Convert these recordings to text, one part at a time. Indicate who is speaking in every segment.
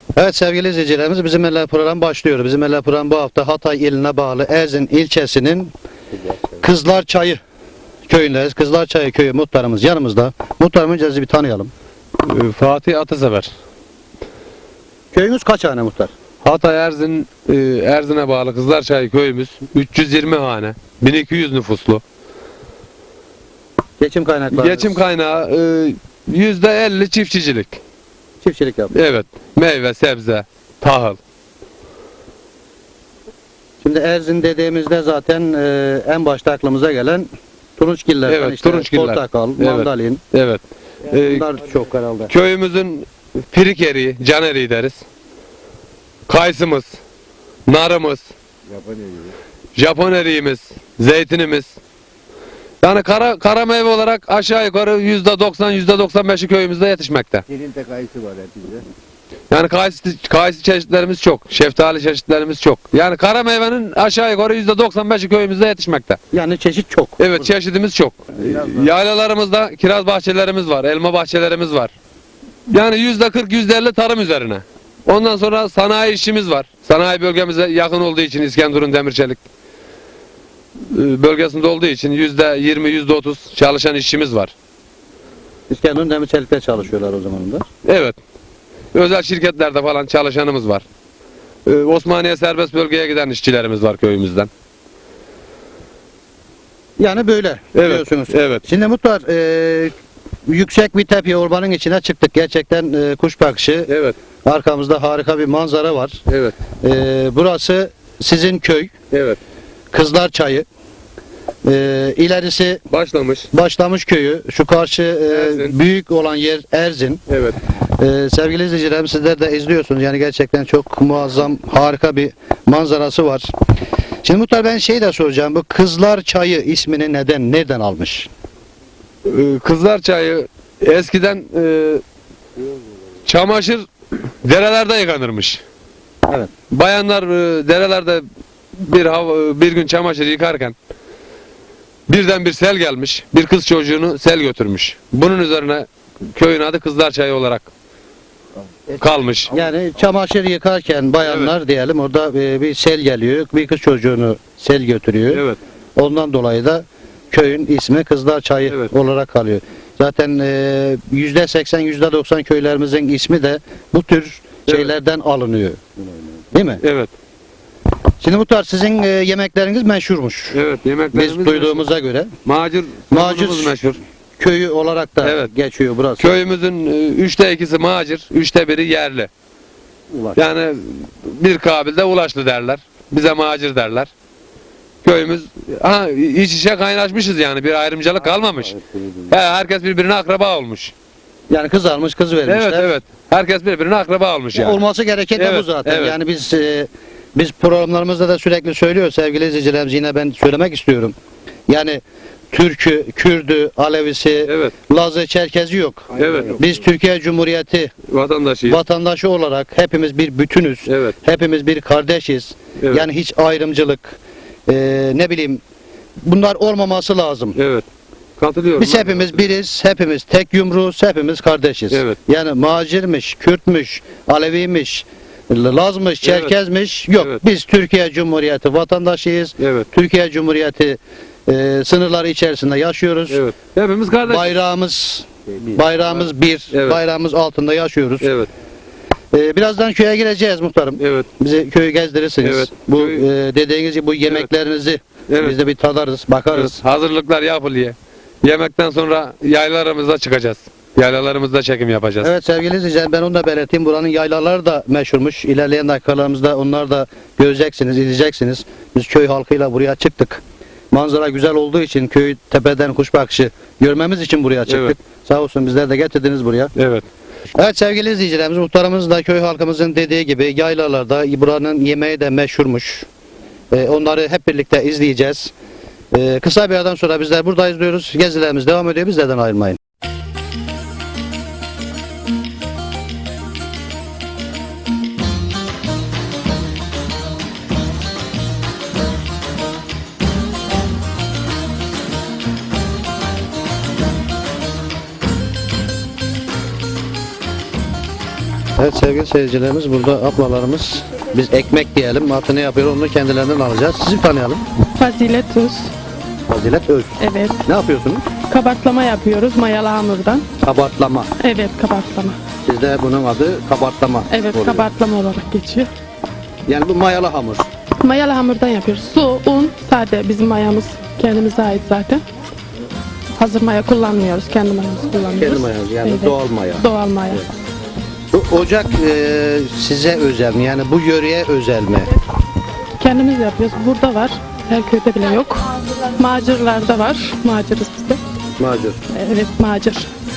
Speaker 1: Evet sevgili izleyicilerimiz, Bizim Eller programı başlıyor. Bizim Eller programı bu hafta Hatay iline bağlı Erzin ilçesinin Kızlarçayı köyündeyiz. Kızlarçayı köyü muhtarımız yanımızda. Muhtarım, önce sizi bir tanıyalım.
Speaker 2: Fatih Atasever.
Speaker 1: Köyünüz kaç hane muhtar?
Speaker 2: Hatay Erzin'e bağlı Kızlarçay köyümüz 320 hane, 1200 nüfuslu.
Speaker 1: Geçim kaynakları?
Speaker 2: Geçim kaynağı %50 çiftçicilik.
Speaker 1: Çiftçilik yapıyor.
Speaker 2: Evet. Meyve, sebze, tahıl.
Speaker 1: Şimdi Erzin dediğimizde zaten en başta aklımıza gelen turunçgiller.
Speaker 2: Evet,
Speaker 1: işte
Speaker 2: turunçgiller.
Speaker 1: portakal,
Speaker 2: Evet.
Speaker 1: mandalin.
Speaker 2: Evet.
Speaker 1: Bunlar çok herhalde.
Speaker 2: Köyümüzün pirik eriği, can eriği deriz. Kayısımız, narımız, Japon eriğimiz, zeytinimiz. Yani kara meyve olarak aşağı yukarı %90, %95'i köyümüzde yetişmekte.
Speaker 3: Elinde kayısı var hepimizde.
Speaker 2: Yani kayısı çeşitlerimiz çok, şeftali çeşitlerimiz çok. Yani kara meyvenin aşağı yukarı %95'i köyümüzde yetişmekte.
Speaker 1: Yani çeşit çok.
Speaker 2: Evet, çeşidimiz çok. Yaylalarımızda kiraz bahçelerimiz var, elma bahçelerimiz var. Yani %40, %50 tarım üzerine. Ondan sonra sanayi işimiz var. Sanayi bölgemize yakın olduğu için İskenderun Demirçelik bölgesinde olduğu için %20, %30 çalışan işçimiz var.
Speaker 1: İskenderun Demirçelik'te çalışıyorlar o zaman da.
Speaker 2: Evet. Özel şirketlerde falan çalışanımız var. Osmaniye serbest bölgeye giden işçilerimiz var köyümüzden.
Speaker 1: Yani böyle
Speaker 2: Evet,
Speaker 1: diyorsunuz.
Speaker 2: evet.
Speaker 1: Şimdi muhtar, yüksek bir tepe ormanın içine çıktık. Gerçekten kuş bakışı.
Speaker 2: Evet,
Speaker 1: Arkamızda harika bir manzara var.
Speaker 2: evet,
Speaker 1: Burası sizin köy.
Speaker 2: evet.
Speaker 1: Kızlarçayı. İlerisi Başlamış köyü. Şu karşı
Speaker 2: Erzin.
Speaker 1: büyük olan yer Erzin.
Speaker 2: Evet.
Speaker 1: Sevgili izleyicilerim, sizler de izliyorsunuz. Yani gerçekten çok muazzam, harika bir manzarası var. Şimdi muhtar, ben şey de soracağım. Bu Kızlarçayı ismini nereden almış?
Speaker 2: Kızlarçayı eskiden çamaşır derelerde yıkanırmış.
Speaker 1: Evet.
Speaker 2: Bayanlar derelerde bir gün çamaşır yıkarken birden bir sel gelmiş. Bir kız çocuğunu sel götürmüş. Bunun üzerine köyün adı Kızlarçayı olarak kalmış.
Speaker 1: Yani çamaşır yıkarken bayanlar diyelim, orada bir sel geliyor. Bir kız çocuğunu sel götürüyor.
Speaker 2: Evet.
Speaker 1: Ondan dolayı da köyün ismi Kızlarçayı
Speaker 2: Evet.
Speaker 1: olarak kalıyor. Zaten %80, %90 köylerimizin ismi de bu tür şeylerden alınıyor. Değil mi?
Speaker 2: Evet.
Speaker 1: Şimdi muhtar, sizin yemekleriniz meşhurmuş.
Speaker 2: Evet. Yemeklerimiz
Speaker 1: Biz duyduğumuza göre
Speaker 2: macir meşhur.
Speaker 1: köyü olarak da
Speaker 2: Evet.
Speaker 1: geçiyor burası.
Speaker 2: Köyümüzün 3'te 2'si macir, 3'te 1'i yerli.
Speaker 1: Ulaş.
Speaker 2: Yani bir kabilde ulaşlı derler. Bize macir derler. Köyümüz iç içe kaynaşmışız yani. Bir ayrımcılık kalmamış. Herkes birbirine akraba olmuş.
Speaker 1: Yani kız almış, kız vermişler.
Speaker 2: Evet, evet. Herkes birbirine akraba olmuş yani.
Speaker 1: Olması gereken de bu
Speaker 2: Evet,
Speaker 1: zaten.
Speaker 2: evet.
Speaker 1: Yani biz programlarımızda da sürekli söylüyoruz sevgili izleyicilerimiz, yine ben söylemek istiyorum. Yani Türk'ü, Kürd'ü, Alevisi,
Speaker 2: Evet.
Speaker 1: Laz'ı, Çerkez'i yok.
Speaker 2: Evet.
Speaker 1: Biz Türkiye Cumhuriyeti
Speaker 2: Vatandaşıyız.
Speaker 1: vatandaşı olarak hepimiz bir bütünüz.
Speaker 2: Evet.
Speaker 1: Hepimiz bir kardeşiz.
Speaker 2: Evet.
Speaker 1: Yani hiç ayrımcılık, ne bileyim, bunlar olmaması lazım.
Speaker 2: Evet. Katılıyorum.
Speaker 1: Biz hepimiz biriz, hepimiz tek yumruğuz, hepimiz kardeşiz.
Speaker 2: Evet.
Speaker 1: Yani Macirmiş, Kürtmüş, Aleviymiş, Lazmış, Çerkezmiş yok.
Speaker 2: Evet.
Speaker 1: Biz Türkiye Cumhuriyeti vatandaşıyız.
Speaker 2: Evet.
Speaker 1: Türkiye Cumhuriyeti sınırları içerisinde yaşıyoruz.
Speaker 2: Evet. Hepimiz kardeş.
Speaker 1: Bayrağımız bir,
Speaker 2: Evet.
Speaker 1: bayrağımız altında yaşıyoruz.
Speaker 2: Evet.
Speaker 1: Birazdan köye gireceğiz muhtarım.
Speaker 2: Evet.
Speaker 1: Bizi köyü gezdirirsiniz.
Speaker 2: Evet.
Speaker 1: Bu dediğiniz gibi bu yemeklerinizi
Speaker 2: Evet.
Speaker 1: biz de bir tadarız, bakarız.
Speaker 2: Evet. Hazırlıklar yapılıyor. Yemekten sonra yaylalarımıza çıkacağız. Yaylalarımızda çekim yapacağız.
Speaker 1: Evet sevgili izleyiciler, ben onu da belirteyim. Buranın yaylaları da meşhurmuş. İlerleyen dakikalarımızda onlar da göreceksiniz, izleyeceksiniz. Biz köy halkıyla buraya çıktık. Manzara güzel olduğu için, köy tepeden kuş bakışı görmemiz için buraya çıktık.
Speaker 2: Evet.
Speaker 1: Sağ olsun, bizler de getirdiniz buraya.
Speaker 2: Evet.
Speaker 1: Evet sevgili izleyicilerimiz, muhtarımız da köy halkımızın dediği gibi yaylalarda buranın yemeği de meşhurmuş. Onları hep birlikte izleyeceğiz. Kısa bir aradan sonra bizler buradayız diyoruz. Gezilerimiz devam ediyor. Bizlerden ayrılmayın. Evet sevgili seyircilerimiz, burada ablalarımız, biz ekmek diyelim, artı ne yapıyor onu kendilerinden alacağız. Sizi tanıyalım.
Speaker 3: Fazilet Tuz.
Speaker 1: Fazilet Öz.
Speaker 3: Evet.
Speaker 1: Ne yapıyorsunuz?
Speaker 3: Kabartlama yapıyoruz mayalı hamurdan.
Speaker 1: Kabartlama.
Speaker 3: Evet, kabartlama.
Speaker 1: Sizde bunun adı kabartlama
Speaker 3: Evet,
Speaker 1: oluyor.
Speaker 3: kabartlama olarak geçiyor.
Speaker 1: Yani bu mayalı hamur.
Speaker 3: Mayalı hamurdan yapıyoruz. Su, un, sade bizim mayamız kendimize ait zaten. Hazır maya kullanmıyoruz, kendi mayamızı kullanıyoruz.
Speaker 1: Kendi mayamız, yani
Speaker 3: Evet.
Speaker 1: doğal maya.
Speaker 3: Doğal maya.
Speaker 1: Bu ocak size özel mi? Yani bu yöreye özel mi?
Speaker 3: Kendimiz yapıyoruz. Burada var. Her köyde bile yok. Macırlarda var. Macırız biz de.
Speaker 1: Macur.
Speaker 3: Evet, macır.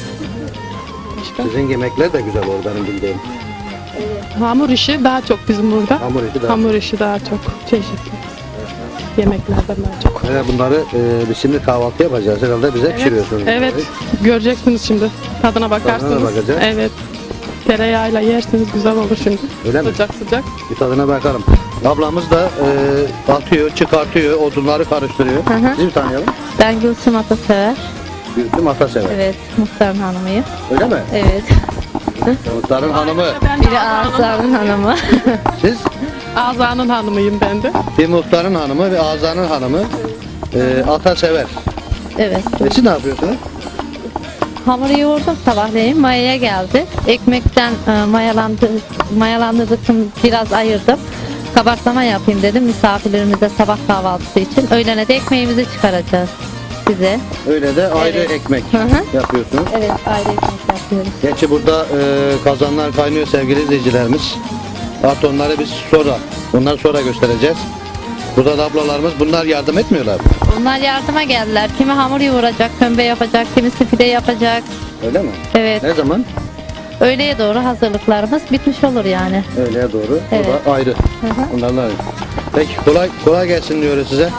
Speaker 3: Başka?
Speaker 1: Sizin yemekler de güzel olur benim bildiğim.
Speaker 3: Hamur işi daha çok bizim burada.
Speaker 1: Hamur işi daha.
Speaker 3: Hamur işi daha çok çeşitli. Yemeklerden daha çok.
Speaker 1: Evet, bunları biz şimdi kahvaltı yapacağız. Herhalde bize pişiriyorsunuz.
Speaker 3: Evet,
Speaker 1: bunları.
Speaker 3: göreceksiniz şimdi. Tadına bakarsınız.
Speaker 1: Tadına bakacağız.
Speaker 3: Evet. Tereyağıyla yerseniz güzel olur şimdi.
Speaker 1: Öyle mi?
Speaker 3: Sıcak sıcak.
Speaker 1: Bir tadına bakalım. Ablamız da atıyor, çıkartıyor, odunları karıştırıyor.
Speaker 4: Hı hı.
Speaker 1: Sizi bir tanıyalım.
Speaker 4: Ben Gülsüm Atasever.
Speaker 1: Gülsüm Atasever.
Speaker 4: Evet, muhtarın hanımıyım.
Speaker 1: Öyle mi?
Speaker 4: Evet.
Speaker 1: Muhtarın hanımı.
Speaker 4: Biri Ağızlar'ın hanımı.
Speaker 1: Siz
Speaker 3: Azanın hanımıyım ben de.
Speaker 1: bir muhtarın hanımı ve Azan'ın hanımı Atasever.
Speaker 4: Evet.
Speaker 1: Siz ne yapıyorsunuz?
Speaker 4: Hamuru yoğurdum sabahleyin. Mayaya geldi. Ekmekten mayalandırdım, biraz ayırdım. Kabartlama yapayım dedim misafirlerimize sabah kahvaltısı için. Öğlene de ekmeğimizi çıkaracağız size.
Speaker 1: Öyle de ayrı
Speaker 4: Evet.
Speaker 1: ekmek
Speaker 4: Hı hı.
Speaker 1: yapıyorsunuz.
Speaker 4: Evet, ayrı ekmek yapıyoruz.
Speaker 1: Gerçi burada kazanlar kaynıyor sevgili izleyicilerimiz. Artı onları biz onları sonra göstereceğiz. Burada da ablalarımız bunlar yardım etmiyorlar.
Speaker 4: Onlar yardıma geldiler. Kimi hamur yoğuracak, kömbe yapacak, kimisi pide yapacak.
Speaker 1: Öyle mi?
Speaker 4: Evet.
Speaker 1: Ne zaman?
Speaker 4: Öğleye doğru hazırlıklarımız bitmiş olur yani.
Speaker 1: Öğleye doğru.
Speaker 4: Evet.
Speaker 1: O da ayrı.
Speaker 4: Hı hı.
Speaker 1: Bunlarla ayrı. Peki kolay gelsin diyoruz size.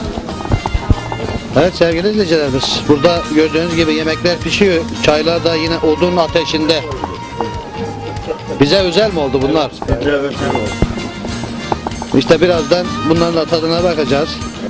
Speaker 1: Evet sevgili izleyicilerimiz, burada gördüğünüz gibi yemekler pişiyor. Çaylar da yine odun ateşinde. Bize özel mi oldu bunlar? İşte birazdan bunların da tadına bakacağız.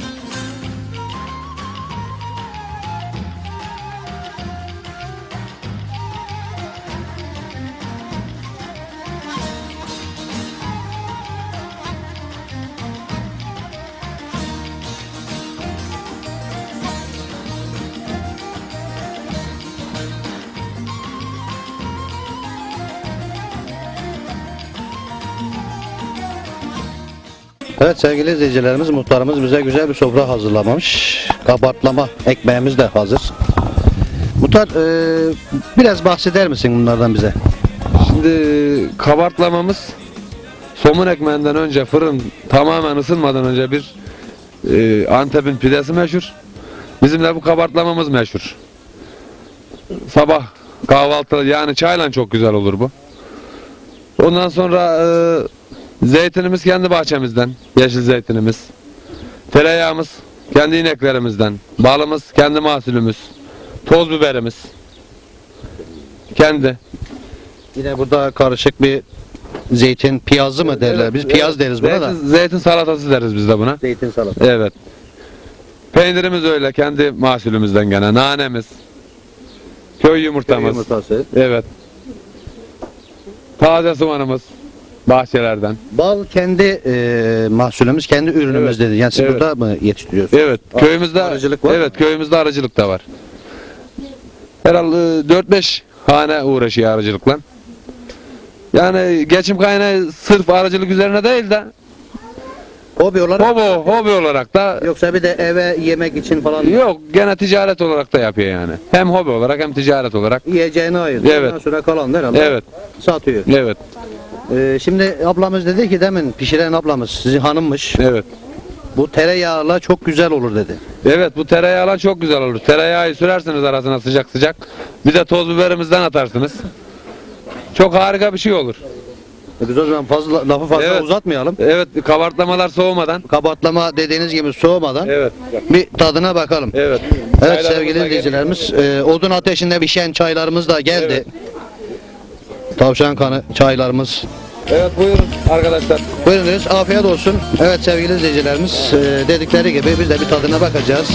Speaker 1: Evet sevgili izleyicilerimiz, muhtarımız bize güzel bir sofra hazırlamış. Kabartlama ekmeğimiz de hazır. Muhtar biraz bahseder misin bunlardan bize?
Speaker 2: Şimdi kabartlamamız somun ekmeğinden önce fırın tamamen ısınmadan önce bir Antep'in pidesi meşhur. Bizim de bu kabartlamamız meşhur. Sabah kahvaltı yani çayla çok güzel olur bu. Ondan sonra zeytinimiz kendi bahçemizden, yeşil zeytinimiz. Tereyağımız kendi ineklerimizden, balımız kendi mahsulümüz, toz biberimiz kendi.
Speaker 1: Yine burada karışık bir zeytin piyazı mı derler? Biz piyaz deriz buna da.
Speaker 2: Zeytin salatası deriz biz de buna.
Speaker 1: Zeytin salatası.
Speaker 2: Evet. Peynirimiz öyle kendi mahsulümüzden gene. Nanemiz. Köy yumurtamız.
Speaker 1: Yumurtası.
Speaker 2: Evet. Taze soğanımız bahçelerden.
Speaker 1: Bal kendi mahsulümüz, kendi ürünümüz
Speaker 2: Evet.
Speaker 1: dedi. Yani siz
Speaker 2: Evet.
Speaker 1: burada mı yetiştiriyorsunuz?
Speaker 2: Evet. Köyümüzde
Speaker 1: arıcılık var mı?
Speaker 2: Evet, köyümüzde arıcılık da var. Herhalde 4-5 hane uğraşıyor arıcılıkla. Yani geçim kaynağı sırf arıcılık üzerine değil de
Speaker 1: Hobi olarak
Speaker 2: hobi olarak da
Speaker 1: yoksa bir de eve yemek için falan
Speaker 2: yok, gene ticaret olarak da yapıyor yani. Hem hobi olarak hem ticaret olarak.
Speaker 1: yiyeceğini ayırıyor.
Speaker 2: Evet.
Speaker 1: Ondan sonra kalan herhalde
Speaker 2: Evet.
Speaker 1: satıyor.
Speaker 2: Evet.
Speaker 1: Şimdi ablamız dedi ki demin pişiren ablamız sizin hanımmış.
Speaker 2: Evet.
Speaker 1: Bu tereyağla çok güzel olur dedi.
Speaker 2: Evet, bu tereyağla çok güzel olur. Tereyağı sürersiniz arasına sıcak sıcak. Bir de toz biberimizden atarsınız. Çok harika bir şey olur.
Speaker 1: Biz o zaman lafı fazla
Speaker 2: Evet.
Speaker 1: uzatmayalım.
Speaker 2: Evet, kabartlamalar soğumadan.
Speaker 1: Kabartlama dediğiniz gibi soğumadan
Speaker 2: Evet.
Speaker 1: bir tadına bakalım.
Speaker 2: Evet.
Speaker 1: Evet
Speaker 2: Çaylarımız
Speaker 1: sevgili
Speaker 2: da
Speaker 1: izleyicilerimiz, odun ateşinde pişen çaylarımız da geldi.
Speaker 2: Evet.
Speaker 1: Tavşan kanı çaylarımız.
Speaker 2: Evet, buyurun arkadaşlar.
Speaker 1: Buyurunuz, afiyet olsun. Evet sevgili izleyicilerimiz, dedikleri gibi biz de bir tadına bakacağız.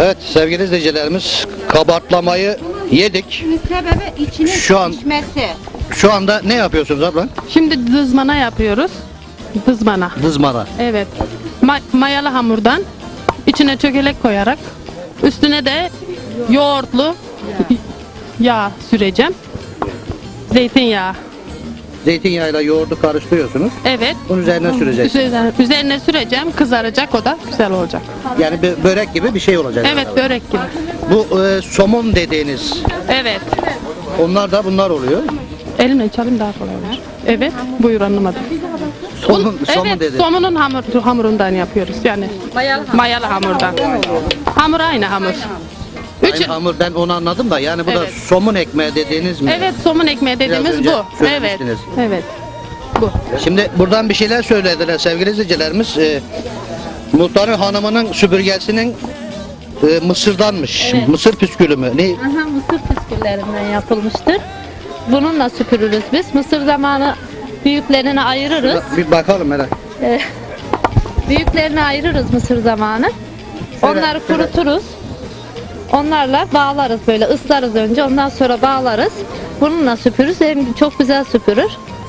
Speaker 1: Evet sevgili izleyicilerimiz, kabartlamayı yedik.
Speaker 5: Sebebi içinin
Speaker 1: Şu an-
Speaker 5: pişmesi.
Speaker 1: Şu anda ne yapıyorsunuz abla?
Speaker 3: Şimdi dızmana yapıyoruz. Dızmana.
Speaker 1: Dızmara.
Speaker 3: Evet. Mayalı hamurdan içine çökelek koyarak üstüne de yoğurtlu yağ süreceğim. Zeytinyağı.
Speaker 1: Zeytinyağıyla yoğurdu karıştırıyorsunuz.
Speaker 3: Evet.
Speaker 1: Bunun üzerine süreceksiniz.
Speaker 3: Üzerine süreceğim. Kızaracak, o da güzel olacak.
Speaker 1: Yani bir börek gibi bir şey olacak.
Speaker 3: Evet, börek gibi.
Speaker 1: Bu somun dediğiniz,
Speaker 3: Evet.
Speaker 1: onlar da bunlar oluyor.
Speaker 3: Elimle çalayım daha kolay olur. Evet. Buyur anlamadım.
Speaker 1: Somun
Speaker 3: Evet,
Speaker 1: dedi.
Speaker 3: somunun hamurundan yapıyoruz. Yani mayalı hamurdan. Hamur aynı hamur.
Speaker 1: Aynı hamur, ben onu anladım da yani bu da
Speaker 3: Evet.
Speaker 1: somun ekmeği dediğiniz mi?
Speaker 3: Evet, somun ekmeği dediğimiz
Speaker 1: önce
Speaker 3: bu. Evet.
Speaker 1: söylemiştiniz.
Speaker 3: Evet. Bu.
Speaker 1: Şimdi buradan bir şeyler söylediler sevgili izleyicilerimiz. Muhtarın hanımının süpürgesinin mısırdanmış.
Speaker 4: Evet.
Speaker 1: Mısır püskülü mü? Ne?
Speaker 4: Aha, mısır püsküllerinden yapılmıştır. Bununla süpürürüz biz. Mısır zamanı büyüklerini ayırırız.
Speaker 1: Bir bakalım merak.
Speaker 4: Büyüklerini ayırırız mısır zamanı. Onları
Speaker 1: şöyle.
Speaker 4: kuruturuz. Onlarla bağlarız, böyle ıslarız önce, ondan sonra bağlarız. Bununla süpürürüz. Hem çok güzel süpürür.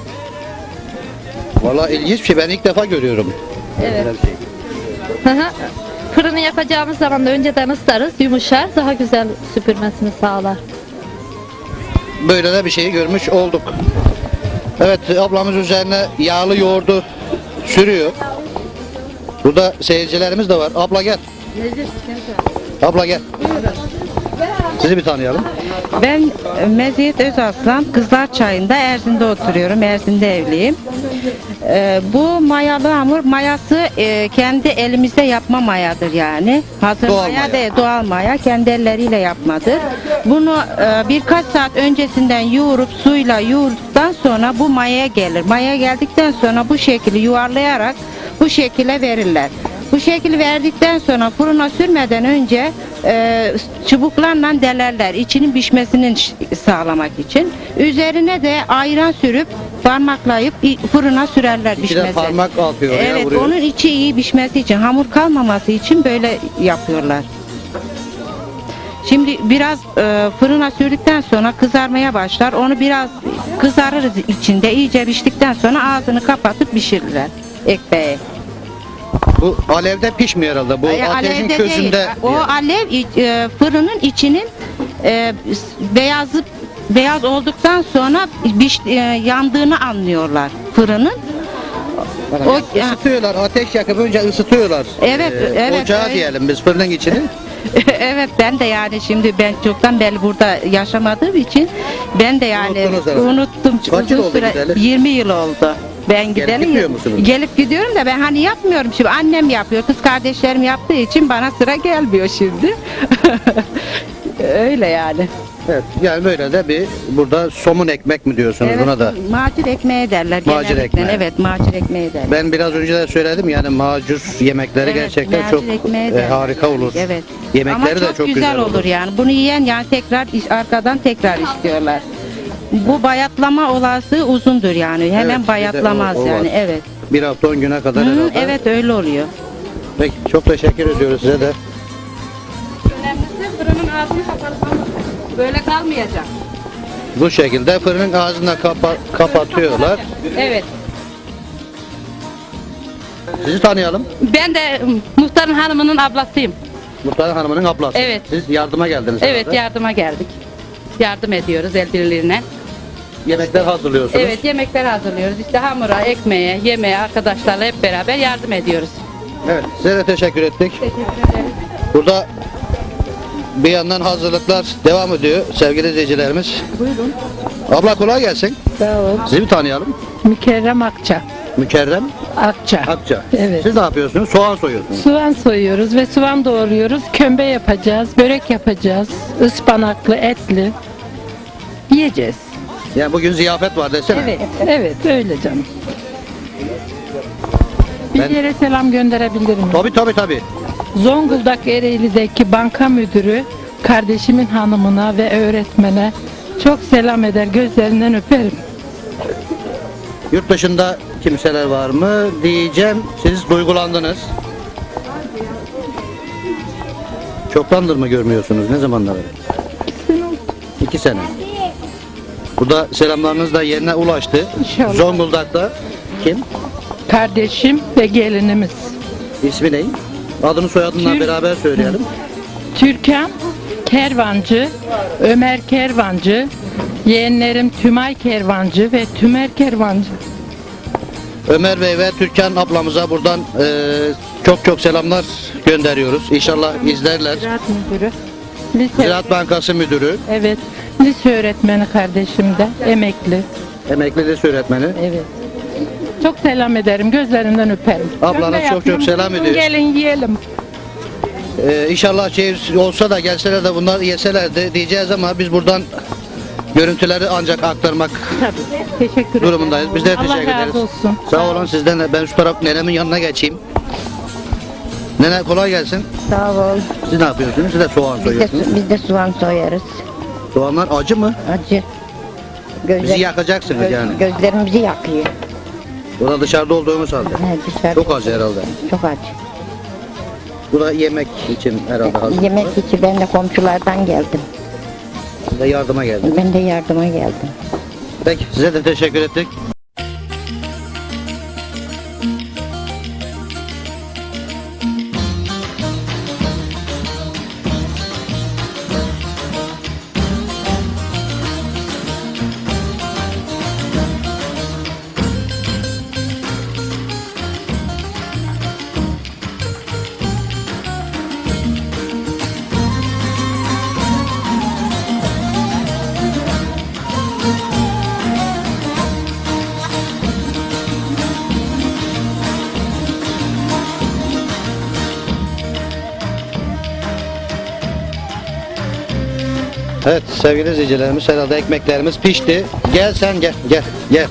Speaker 1: Valla ilginç bir şey, ben ilk defa görüyorum.
Speaker 4: Evet.
Speaker 1: Böyle bir şey.
Speaker 4: Hı hı. Fırını yapacağımız zaman da önceden ıslarız, yumuşar, daha güzel süpürmesini sağlar.
Speaker 1: Böyle de bir şeyi görmüş olduk. Evet, ablamız üzerine yağlı yoğurdu sürüyor. Burada seyircilerimiz de var. Abla gel. Abla gel. Sizi bir tanıyalım.
Speaker 5: Ben Meziyet Özaslan, Kızlar Çayı'nda Erzin'de oturuyorum. Erzin'de evliyim. Bu mayalı hamur, mayası kendi elimizde yapma mayadır yani. Hazır
Speaker 1: Doğal
Speaker 5: maya
Speaker 1: maya.
Speaker 5: değil, doğal maya. Kendi elleriyle yapmadır. Bunu birkaç saat öncesinden yoğurup suyla yoğurduktan sonra bu mayaya gelir. Maya geldikten sonra bu şekilde yuvarlayarak bu şekilde verirler. Bu şekil verdikten sonra fırına sürmeden önce çubuklarla delerler içinin pişmesini sağlamak için. Üzerine de ayran sürüp parmaklayıp fırına sürerler
Speaker 1: İçine
Speaker 5: pişmesi.
Speaker 1: parmak atıyor ya,
Speaker 5: Evet,
Speaker 1: vuruyor.
Speaker 5: onun içi iyi pişmesi için, hamur kalmaması için böyle yapıyorlar. Şimdi biraz fırına sürdükten sonra kızarmaya başlar. Onu biraz kızarırız içinde. İyice piştikten sonra ağzını kapatıp pişirirler ekmeği.
Speaker 1: Bu alevde pişmiyor herhalde. Bu ateşin
Speaker 5: Alevde
Speaker 1: közünde.
Speaker 5: değil. O alev fırının içinin beyaz olduktan sonra yandığını anlıyorlar fırının. O
Speaker 1: Isıtıyorlar, ateş yakıp önce ısıtıyorlar.
Speaker 5: Evet, evet,
Speaker 1: Ocağı
Speaker 5: öyle.
Speaker 1: diyelim biz, fırının içini.
Speaker 5: evet, ben de yani şimdi ben çoktan beri burada yaşamadığım için ben de yani
Speaker 1: Unuttunuz herhalde.
Speaker 5: unuttum.
Speaker 1: Kaç yıl
Speaker 5: Uzun
Speaker 1: oldu gideli?
Speaker 5: 20 yıl oldu. Ben gideli.
Speaker 1: gidiyor musunuz?
Speaker 5: Gelip gidiyorum da ben hani yapmıyorum şimdi. Annem yapıyor. Kız kardeşlerim yaptığı için bana sıra gelmiyor şimdi. Öyle yani.
Speaker 1: Evet, yani böyle de bir burada somun ekmek mi diyorsunuz
Speaker 5: Evet,
Speaker 1: buna da?
Speaker 5: macir ekmeği derler.
Speaker 1: Macir
Speaker 5: genellikle.
Speaker 1: ekmeği.
Speaker 5: Evet, macir ekmeği derler.
Speaker 1: Ben biraz önce de söyledim yani macur yemekleri
Speaker 5: Evet,
Speaker 1: gerçekten
Speaker 5: macir
Speaker 1: çok
Speaker 5: ekmeği derler.
Speaker 1: harika olur.
Speaker 5: Evet.
Speaker 1: Yemekleri
Speaker 5: Ama
Speaker 1: de çok güzel olur.
Speaker 5: yani. Bunu yiyen yani tekrar arkadan tekrar istiyorlar. Bu bayatlama olası uzundur yani.
Speaker 1: Evet,
Speaker 5: Hemen
Speaker 1: bir de
Speaker 5: bayatlamaz
Speaker 1: o
Speaker 5: yani.
Speaker 1: var.
Speaker 5: Evet.
Speaker 1: Bir hafta 10 güne kadar
Speaker 5: Hı,
Speaker 1: herhalde.
Speaker 5: evet öyle oluyor.
Speaker 1: Peki, çok teşekkür ediyoruz size de.
Speaker 3: Fırının ağzını kapatalım. Böyle kalmayacak.
Speaker 1: Bu şekilde fırının ağzını kapatıyorlar.
Speaker 3: Evet.
Speaker 1: Sizi tanıyalım.
Speaker 3: Ben de muhtarın hanımının ablasıyım.
Speaker 1: Muhtarın hanımının ablası.
Speaker 3: Evet.
Speaker 1: Siz yardıma geldiniz
Speaker 3: Evet,
Speaker 1: herhalde.
Speaker 3: yardıma geldik. Yardım ediyoruz el birliğine.
Speaker 1: Yemekler hazırlıyorsunuz.
Speaker 3: Evet, yemekler hazırlıyoruz. İşte hamura, ekmeğe, yemeğe arkadaşlarla hep beraber yardım ediyoruz.
Speaker 1: Evet, size de teşekkür ettik. Burada bir yandan hazırlıklar devam ediyor sevgili izleyicilerimiz.
Speaker 3: Buyurun.
Speaker 1: Abla kolay gelsin.
Speaker 6: Sağ ol.
Speaker 1: Sizi bir tanıyalım.
Speaker 6: Mükerrem Akça.
Speaker 1: Mükerrem
Speaker 6: Akça.
Speaker 1: Akça.
Speaker 6: Evet.
Speaker 1: Siz ne yapıyorsunuz? Soğan soyuyorsunuz.
Speaker 6: Soğan soyuyoruz ve soğan doğruyoruz. Kömbe yapacağız, börek yapacağız. Ispanaklı, etli. Yiyeceğiz.
Speaker 1: Yani bugün ziyafet var desene.
Speaker 6: Evet, evet öyle canım. Bir
Speaker 1: Ben-
Speaker 6: yere selam gönderebilirim.
Speaker 1: Tabii.
Speaker 6: Zonguldak Ereğli'deki banka müdürü kardeşimin hanımına ve öğretmene çok selam eder, gözlerinden öperim.
Speaker 1: Yurt dışında kimseler var mı diyeceğim. Siz duygulandınız. Çoktandır mı görmüyorsunuz? Ne zamandan beri? 2 sene. Burada selamlarınız da yerine ulaştı.
Speaker 6: İnşallah.
Speaker 1: Zonguldak'ta kim?
Speaker 6: Kardeşim ve gelinimiz.
Speaker 1: İsmi ne? Adını soyadını beraber söyleyelim.
Speaker 6: Türkan Kervancı, Ömer Kervancı, yeğenlerim Tümay Kervancı ve Tümer Kervancı.
Speaker 1: Ömer Bey ve Türkan ablamıza buradan çok çok selamlar gönderiyoruz. İnşallah izlerler.
Speaker 6: Ziraat müdürü. Lise,
Speaker 1: Ziraat Bankası Müdürü,
Speaker 6: evet. Lise öğretmeni kardeşim de, emekli.
Speaker 1: emekli lise öğretmeni.
Speaker 6: Evet. Çok selam ederim, gözlerinden öperim.
Speaker 1: Ablanız
Speaker 6: Ben de
Speaker 1: çok çok
Speaker 6: yapıyorum.
Speaker 1: selam
Speaker 6: Buyurun,
Speaker 1: ediyor.
Speaker 6: Gelin yiyelim.
Speaker 1: İnşallah şey olsa da gelseler de bunlar yeselerdi diyeceğiz ama biz buradan görüntüleri ancak aktarmak
Speaker 6: Tabii. Teşekkür ederim.
Speaker 1: durumundayız. Biz de
Speaker 6: Allah
Speaker 1: teşekkür ederiz.
Speaker 6: razı olsun.
Speaker 1: Sağ olun sizden de. Ben şu taraf nenemin yanına geçeyim. Nene kolay gelsin.
Speaker 5: Sağ ol.
Speaker 1: Siz ne yapıyorsunuz? Siz de soğan soyuyorsunuz.
Speaker 5: Biz de soğan soyarız.
Speaker 1: Soğanlar acı mı?
Speaker 5: Acı.
Speaker 1: Bizi yakacaksınız yani.
Speaker 5: Gözlerimizi yakıyor.
Speaker 1: Burada dışarıda olduğumuz halde.
Speaker 5: Dışarı
Speaker 1: Çok acı herhalde.
Speaker 5: çok acı.
Speaker 1: Bu da yemek için herhalde hazır.
Speaker 5: Yemek için ben de komşulardan geldim.
Speaker 1: Siz de yardıma geldiniz.
Speaker 5: Ben de yardıma geldim.
Speaker 1: Peki size de teşekkür ettik. Evet sevgili izleyicilerimiz herhalde ekmeklerimiz pişti. Gel sen gel.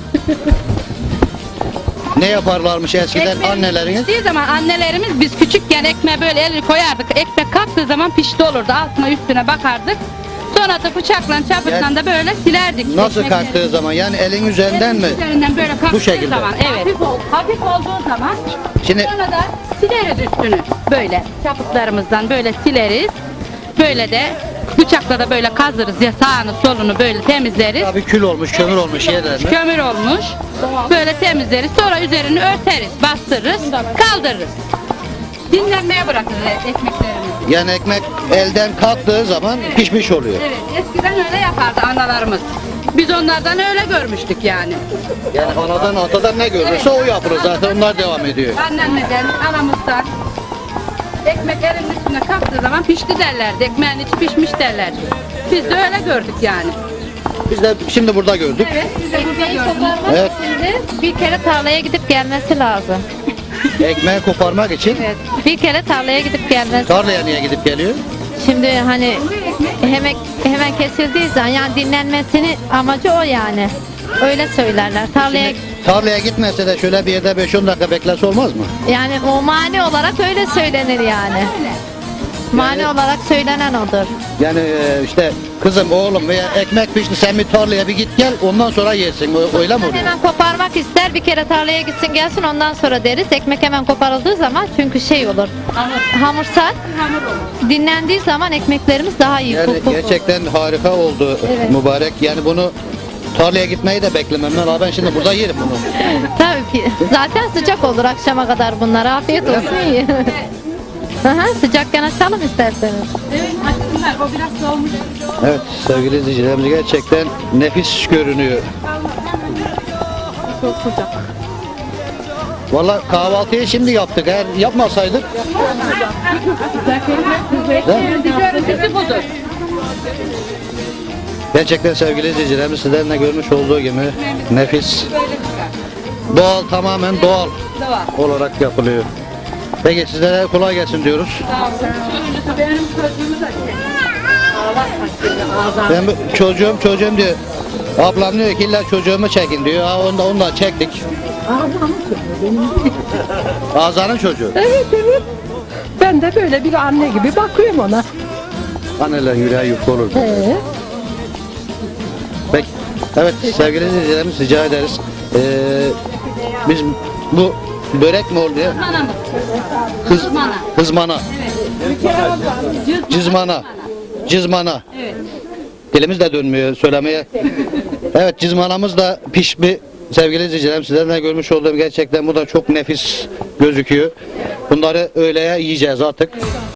Speaker 1: Ne yaparlarmış eskiden anneleriniz?
Speaker 7: Piştiği zaman annelerimiz biz küçükken ekmeğe böyle elini koyardık. Ekmek kalktığı zaman pişti olurdu. Altına üstüne bakardık. Sonra da bıçakla çapıkla da böyle silerdik.
Speaker 1: Nasıl
Speaker 7: ekmekleri.
Speaker 1: kalktığı zaman yani elin üzerinden mi?
Speaker 7: Üzerinden böyle kalktığı
Speaker 1: şekilde.
Speaker 7: zaman evet. Hafif olduğu zaman
Speaker 1: Şimdi
Speaker 7: sonra da sileriz üstünü. Böyle çapıklarımızdan böyle sileriz. Böyle de bıçakla da böyle kazırız ya sağını solunu böyle temizleriz.
Speaker 1: tabii kül olmuş, kömür olmuş yerlerine.
Speaker 7: Kömür olmuş. Böyle temizleriz. Sonra üzerini örteriz, bastırırız, kaldırırız. Dinlenmeye bırakırız ekmeklerimizi.
Speaker 1: Yani ekmek elden kalktığı zaman pişmiş oluyor.
Speaker 7: Evet, eskiden öyle yapardı analarımız. Biz onlardan öyle görmüştük yani.
Speaker 1: Yani anadan atadan ne görürse o yapılır zaten onlar devam ediyor.
Speaker 7: Annemizden, anamızdan. Ekmek elinin üstüne kalktığı zaman pişti derlerdi. Ekmeğin içi pişmiş derlerdi. Biz de öyle gördük yani.
Speaker 1: Biz de şimdi burada gördük.
Speaker 7: Evet, biz de burada
Speaker 4: Ekmeği
Speaker 7: gördük.
Speaker 4: koparmak
Speaker 1: Evet.
Speaker 4: için de bir kere tarlaya gidip gelmesi lazım.
Speaker 1: Ekmeği koparmak için
Speaker 4: Evet. Bir kere tarlaya gidip gelmesi.
Speaker 1: tarlaya niye gidip geliyor?
Speaker 4: Şimdi hani hemen kesildiği zaman yani dinlenmesini amacı o yani. Öyle söylerler. Tarlaya
Speaker 1: Tarlaya gitmese de şöyle bir yerde 5-10 dakika beklese olmaz mı?
Speaker 4: yani o mani olarak öyle söylenir yani. Mani olarak söylenen odur.
Speaker 1: Yani işte kızım oğlum veya ekmek pişti sen bir tarlaya bir git gel ondan sonra yersin öyle mi oluyor?
Speaker 4: Hemen koparmak ister bir kere tarlaya gitsin gelsin ondan sonra deriz. Ekmek hemen koparıldığı zaman çünkü şey olur. Hamursat. Dinlendiği zaman ekmeklerimiz daha iyi.
Speaker 1: Yani
Speaker 4: puf puf.
Speaker 1: gerçekten harika oldu
Speaker 4: Evet.
Speaker 1: mübarek. Yani bunu tarlaya gitmeyi de beklemem. Ben şimdi burada yerim bunu.
Speaker 4: Tabii ki. Zaten sıcak olur akşama kadar bunlar. Afiyet olsun iyi. Aha, sıcakken açalım isterseniz.
Speaker 7: Evet, açsınlar. O biraz soğumuş.
Speaker 1: Evet sevgili izleyicilerimiz gerçekten nefis görünüyor.
Speaker 3: Çok sıcak.
Speaker 1: Valla kahvaltıyı şimdi yaptık. Eğer yapmasaydık
Speaker 7: Görüntüsü budur.
Speaker 1: gerçekten sevgili izleyicilerimiz sizlerin de görmüş olduğu gibi nefis. Doğal tamamen doğal olarak yapılıyor. Peki sizlere kolay gelsin diyoruz.
Speaker 7: Benim çocuğumu da
Speaker 1: Ben çocuğum diyor. Ablam diyor ki illa çocuğumu çekin diyor. Ha onu da çektik. Azanın çocuğu.
Speaker 6: Evet. Ben de böyle bir anne gibi bakıyorum ona.
Speaker 1: Anneler yüreği yufka olur. Peki. Evet sevgili izleyicilerimiz rica ederiz. Biz bu börek mi oluyor?
Speaker 7: Manamız.
Speaker 1: Hızmana. Cizmana. Cizmana. Dilimiz de dönmüyor söylemeye. Evet, cizmanamız da pişmiş. Sevgili izleyicilerim, sizlerden de görmüş olduğum gerçekten bu da çok nefis gözüküyor. Bunları öğleye yiyeceğiz artık.